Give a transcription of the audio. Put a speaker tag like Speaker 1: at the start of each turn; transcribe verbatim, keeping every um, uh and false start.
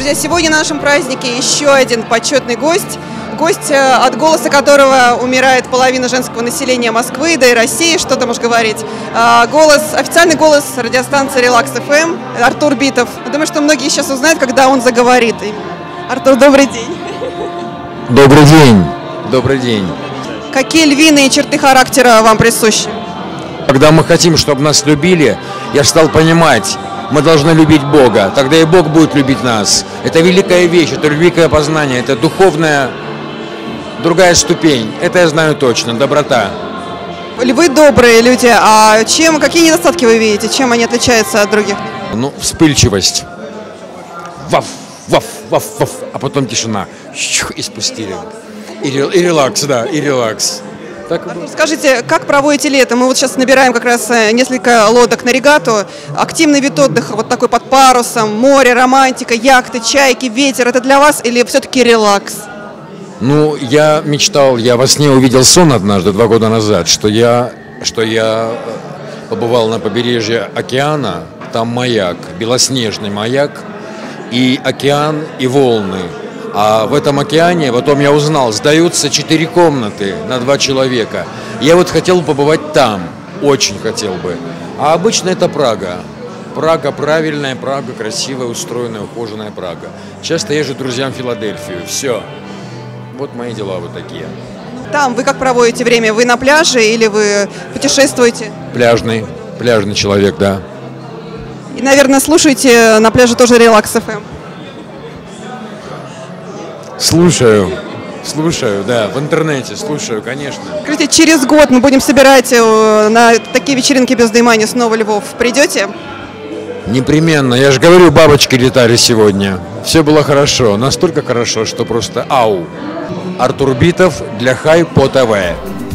Speaker 1: Друзья, сегодня на нашем празднике еще один почетный гость. Гость, от голоса которого умирает половина женского населения Москвы, да и России, что там уж говорить. Голос, официальный голос радиостанции Релакс эф эм, Артур Битов. Думаю, что многие сейчас узнают, когда он заговорит. Артур, добрый день.
Speaker 2: Добрый день. Добрый день.
Speaker 1: Какие львиные черты характера вам присущи?
Speaker 2: Когда мы хотим, чтобы нас любили, я стал понимать, мы должны любить Бога, тогда и Бог будет любить нас. Это великая вещь, это великое познание, это духовная другая ступень. Это я знаю точно, доброта.
Speaker 1: Вы добрые люди, а чем, какие недостатки вы видите, чем они отличаются от других?
Speaker 2: Ну, вспыльчивость. Ваф, ваф, ваф, ваф, а потом тишина. И спустили. И, и релакс, да, и релакс. Так...
Speaker 1: Скажите, как проводите лето? Мы вот сейчас набираем как раз несколько лодок на регату. Активный вид отдыха, вот такой под парусом, море, романтика, яхты, чайки, ветер. Это для вас или все-таки релакс?
Speaker 2: Ну, я мечтал, я во сне увидел сон однажды, два года назад, что я, что я побывал на побережье океана, там маяк, белоснежный маяк, и океан, и волны. А в этом океане, потом я узнал, сдаются четыре комнаты на два человека. Я вот хотел побывать там, очень хотел бы. А обычно это Прага. Прага правильная, Прага красивая, устроенная, ухоженная Прага. Часто езжу к друзьям в Филадельфию. Все. Вот мои дела вот такие.
Speaker 1: Там вы как проводите время? Вы на пляже или вы путешествуете?
Speaker 2: Пляжный, пляжный человек, да.
Speaker 1: И, наверное, слушаете на пляже тоже Релакс эф эм?
Speaker 2: Слушаю, слушаю, да, в интернете слушаю, конечно.
Speaker 1: Скажите, через год мы будем собирать на такие вечеринки без Даймани снова Львов. Придете?
Speaker 2: Непременно. Я же говорю, бабочки летали сегодня. Все было хорошо. Настолько хорошо, что просто ау. Артур Битов для Хай по ТВ.